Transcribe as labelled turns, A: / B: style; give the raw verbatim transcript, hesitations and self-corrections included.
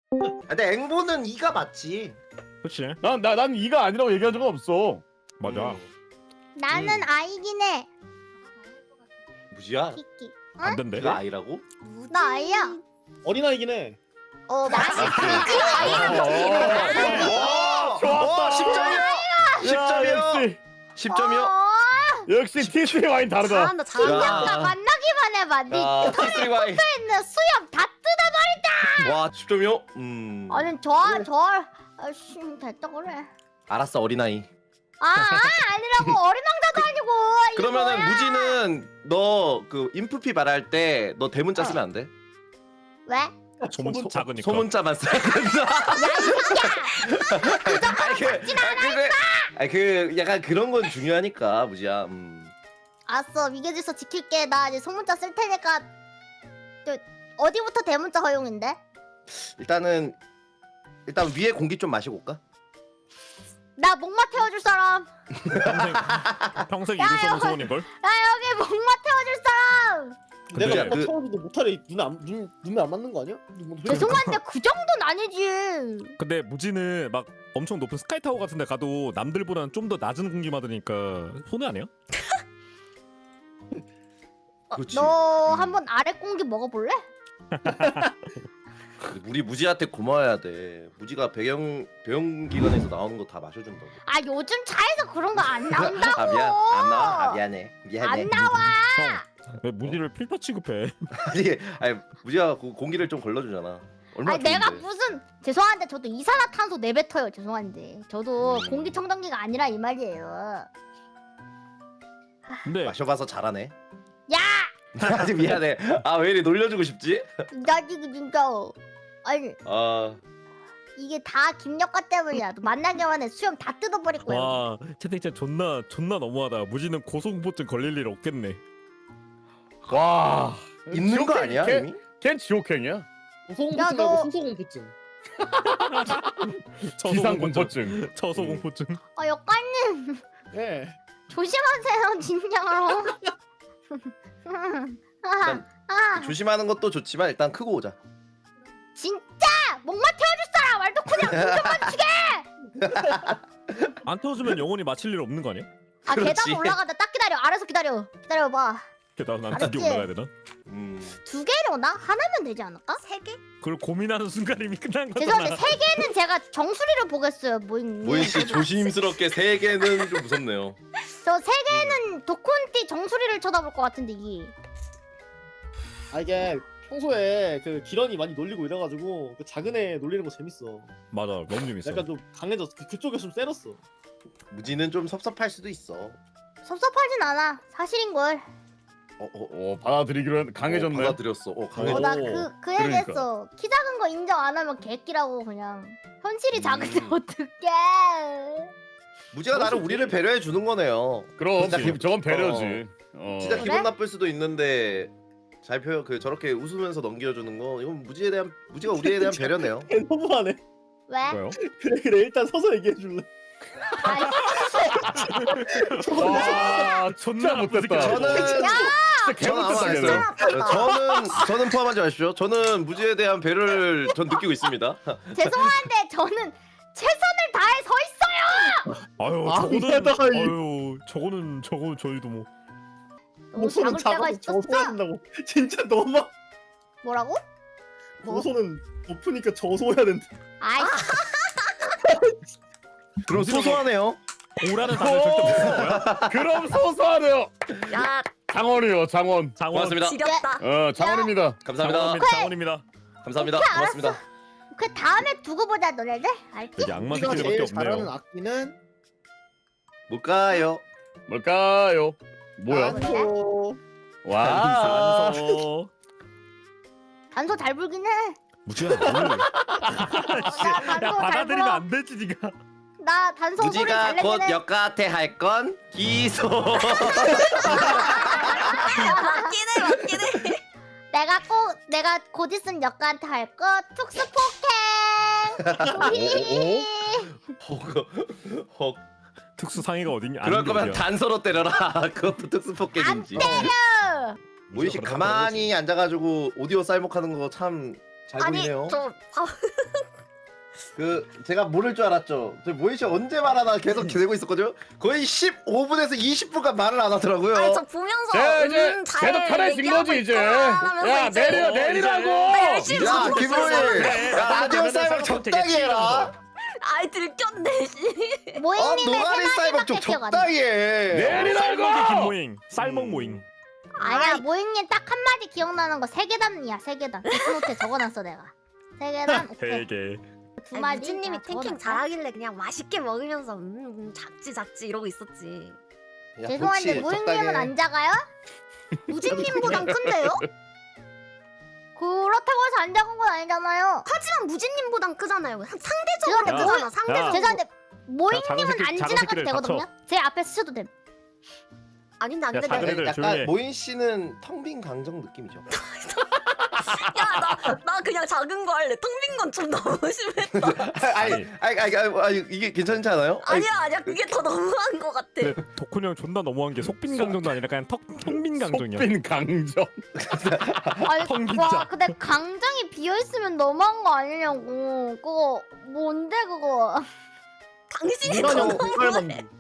A: 근데 앵보는 이가 맞지.
B: 그렇지.
C: 난 나 난 이가 아니라고 얘기한 적은 없어.
B: 맞아.
A: 음.
D: 나는
A: 음.
D: 아이긴 해.
A: 무지야?
D: 키키.
B: 안 된대.
A: 네가 아이라고?
D: 나 아이야.
E: 어린아이긴 해.
D: 어 맛있지. 아이는
C: 어,
D: 어,
C: 좋았다.
A: 십 점이요. 십 점이요.
C: 역시
A: 십 점이요.
C: 역시 티스리 와인 다르다.
D: 잘한다 잘한다.
A: 야.
D: 나 만나기만 해봐. 네
A: 야, 티스리 와인.
D: 있는 수염 다 뜯어버린다.
A: 와, 십 점이요? 음.
D: 아니 저저 저... 아씨 됐다 그래.
A: 알았어, 어린아이.
D: 아, 아 아니라고 어린 왕자도 아니고. 이게
A: 그러면은
D: 뭐야?
A: 무지는 너 그 인프피 말할 때 너 대문자 쓰면 안 돼?
D: 왜?
B: 소문 소, 작으니까.
A: 소문자만 써야 된다. 아니 그, 아니 그, 아니 그 약간 그런 건 중요하니까 무지야. 음.
D: 알았어 미개질서 지킬게. 나 이제 소문자 쓸 테니까. 저 어디부터 대문자 허용인데?
A: 일단은 일단 위에 공기 좀 마시고 올까?
D: 나 목마 태워줄 사람.
B: 평생 평생 이룰 수 없는 소원인 걸.
D: 야 여기 목마 태워줄 사람.
B: 근데
E: 내가
A: 그-
E: 뭐 태워줘도 못하래. 눈 안 눈 눈에 안 맞는 거 아니야? 뭐,
D: 죄송한데 그 정도는 아니지.
B: 근데 무지는 막 엄청 높은 스카이타워 같은 데 가도 남들보다는 좀 더 낮은 공기 받으니까 손해 아니야?
A: 그렇지.
D: 너
A: 음.
D: 한번 아래 공기 먹어볼래?
A: 우리 무지한테 고마워야 돼. 무지가 배경 배영기관에서 나오는 거 다 마셔준다고.
D: 아 요즘 차에서 그런 거 안 나온다고.
A: 아 미안, 안 나와. 아 미안해. 미안해.
D: 안 나와.
B: 형, 왜 무지를 필터 취급해?
A: 아니, 아니 무지가 그 공기를 좀 걸러주잖아. 얼마나
D: 아니 내가
A: 좋은데.
D: 무슨 죄송한데 저도 이산화탄소 내뱉어요. 죄송한데 저도
A: 음.
D: 공기청정기가 아니라 이 말이에요.
B: 근데
A: 마셔봐서 잘하네.
D: 야!
A: 아직 미안해. 아 왜 이리 놀려주고 싶지?
D: 나 지금 진짜 아니
A: 아
D: 이게 다 김력과 때문이야. 너 만나기만 해 수염 다 뜯어버릴 거야.
B: 와 채팅창 존나 존나 너무하다. 무지는 고소공포증 걸릴 일 없겠네.
C: 와.
A: 있는 거
C: 지옥행-
A: 아니야
C: 걔-
A: 이미?
C: 걘 지옥행이야.
D: 야,
E: 고소공포증
D: 너-
E: 말고 소소공포증.
C: 기상공포증.
B: 저소공포증.
D: 아 역관님
E: 예.
D: 조심하세요 진짜로. 아,
A: 일단
D: 아
A: 조심하는 것도 좋지만 일단 크고 오자.
D: 진짜 목마 태워줄 사람 말도 그냥 운전만 주게.
B: 안 태워주면 영원히 마칠 일 없는 거 아니야?
D: 아
A: 그렇지.
D: 계단 올라가다 딱 기다려. 알아서 기다려. 기다려봐.
B: 게다가 난
D: 알았지?
B: 두개 올라가야 되나?
A: 음.
D: 두 개려나? 하나면 되지 않을까? 세 개?
B: 그걸 고민하는 순간 이미 끝난 거잖아.
D: 죄송한데 세 개는 제가 정수리를 보겠어요. 모임.
A: 모인 씨 조심스럽게 세 개는 좀 무섭네요.
D: 저세 개는 도콘띠 정수리를 쳐다볼 것 같은데 이게.
E: 아 이게 평소에 그 기런이 많이 놀리고 이래가지고 그 작은 애 놀리는 거 재밌어.
B: 맞아 너무 재밌어.
E: 약간 좀 강해졌어. 그, 그쪽에 좀 세렸어.
A: 무지는 좀 섭섭할 수도 있어.
D: 섭섭하진 않아. 사실인 걸.
A: 어, 어, 어.
C: 어 받아들이기로 했는데 강해졌네.
A: 어, 받아들였어. 어, 강해졌어.
D: 어, 나
B: 오,
D: 그 그
C: 그러니까.
D: 얘기했어. 키 작은 거 인정 안 하면 개끼라고 그냥. 현실이 작은데
A: 음.
D: 어떡해.
A: 무지가 나를 우리를 배려해 주는 거네요.
C: 그럼
A: 진짜
C: 기- 저건 배려지. 어.
A: 진짜
D: 그래?
A: 기분 나쁠 수도 있는데 잘 표현 그 저렇게 웃으면서 넘겨주는 거 이건 무지에 대한 무지가 우리에 대한 배려네요.
E: 걔 너무하네.
D: 왜?
B: 왜요?
E: 그래 그래 일단 서서 얘기해 줄래.
D: 아이,
C: 와 존나 못됐다.
A: 저는
C: 진짜
A: 저는 아무 안
C: 개못됐다.
A: 했어요.
C: 걔는.
A: 저는 저는 포함하지 마십시오. 저는 무지에 대한 배려를 전 느끼고 있습니다.
D: 죄송한데 저는 최선을 다해 서 있어요.
B: 아유
E: 아,
B: 저거는
E: 게다가 이-
B: 아유 저거는 저거 저희도 뭐
D: 너무 작을 때가
E: 저
D: 있었어.
E: 소야 된다고. 진짜 너무.
D: 뭐라고? 뭐?
E: 고소는 높으니까 저소해야 된다.
D: 아이
A: 그럼 소소하네요.
B: 오라는 단어 절대 못 쓰는 거야?
C: 그럼 소소하네요.
F: 야,
C: 장원이요 장원.
B: 장원
A: 고맙습니다.
F: 지렸다.
C: 어 장원입니다.
A: 감사합니다.
B: 장원입니다. 장원입니다.
A: 감사합니다.
D: 오케이,
A: 고맙습니다.
D: 그 다음에 두고 보자 너네들. 알지?
B: 여기 악마
E: 우리가
B: 새끼들밖에
E: 제일 잘하는
B: 없네요.
E: 악기는
A: 뭘까요?
C: 뭘까요? 뭐야?
D: 아, 그래?
E: 어,
C: 와.
B: 산소.
D: 단소 잘 불긴 해.
B: 무지야. 뭘.
D: 나
B: 야
D: 단소 잘
B: 받아들이면
D: 불어.
B: 안 되지 니가.
D: 나 단소 소리
A: 무지가
D: 잘
A: 곧
D: 내긴 해.
A: 역가태 할 건 기소.
F: 맞긴 해, 맞긴 해.
D: 내가 꼭 내가 곧 있으면 역가한테 할 거 특수 폭행. 우리.
A: 허, 허.
B: 특수 상해가 어딨냐?
A: 그럴 거면
B: 아는 게 어디야.
A: 단서로 때려라. 그것도 특수
D: 안
A: 폭격인지.
D: 때려.
A: 모인 씨 가만히 앉아가지고 오디오 쌀목하는 거 참 잘
F: 아니,
A: 보이네요.
F: 저 바,
A: 그 제가 모를 줄 알았죠. 저 모인 씨 언제 말하나 계속 기다리고 있었거든요. 거의 십오 분에서 이십 분간 말을 안 하더라고요.
F: 아니 저 보면서
C: 자 이제
F: 음, 잘
C: 계속 편해진
F: 얘기하고
C: 거지 이제.
F: 있구나 하면서
C: 야
F: 이제
C: 내려
B: 어,
C: 내리라고.
F: 나 열심히
A: 야
F: 듣고
A: 김모인,
F: 있었어.
A: 야 라디오 사이버 적당히 해라.
F: 아이 들켰네 씨.
A: 어
D: 모잉님의
A: 노가리
D: 세
A: 사이버 좀
D: 마디밖에 기억 안 나.
A: 적당히 해.
B: 쌀먹이
C: 내리라고.
B: 김모잉 쌀먹
A: 음.
B: 모잉.
D: 아니야 모잉님 딱 한마디 기억나는 거 세 계단이야 세 계단. 데스노트에 적어놨어 내가. 세 계단 오케이.
B: 되게
D: 두
F: 아니,
D: 마디.
F: 무진님이
D: 내가
F: 탱킹
D: 적어놨어.
F: 잘하길래 그냥 맛있게 먹으면서 음, 음 작지 작지 이러고 있었지.
A: 야,
D: 죄송한데
A: 그렇지,
D: 모잉님은
A: 적당히 해.
D: 안 작아요?
F: 무진님보단 큰데요?
D: 그렇다고 해서 안 작은 건 아니잖아요.
F: 하지만 무진님보단 크잖아요. 상- 상대적으로
D: 죄송한데
F: 크잖아.
B: 야.
F: 상대적으로.
D: 죄송한데
B: 작은
D: 모잉님은
B: 새끼-
D: 안
B: 작은
D: 지나가도
B: 새끼들
D: 되거든요.
B: 닥쳐.
D: 제 앞에 스쳐도 됨.
F: 아닌데
B: 야,
F: 안돼.
B: 작은
F: 야,
B: 애들
A: 약간
B: 조용히 해.
A: 모인 씨는 텅빈 강정 느낌이죠.
F: 나, 나 그냥 작은 거 할래. 텅 빈 건 좀 너무 심했다.
A: 아니, 아니, 아니, 아니, 아니, 이게 괜찮지 않아요? 아니,
F: 아니야 아니야 그게 더 너무한 거 같아.
B: 근데 덕훈이 형 존나 너무한 게 속빈 강정도 아니라 그냥 턱 텅빈 강정이야.
C: 속빈 강정.
D: 아니
B: 텅
D: 와
B: 빈자.
D: 근데 강장이 비어 있으면 너무한 거 아니냐고. 그거 뭔데 그거?
F: 당신이
E: 이런
F: 더
E: 형
F: 너무해.
E: 이걸 만든.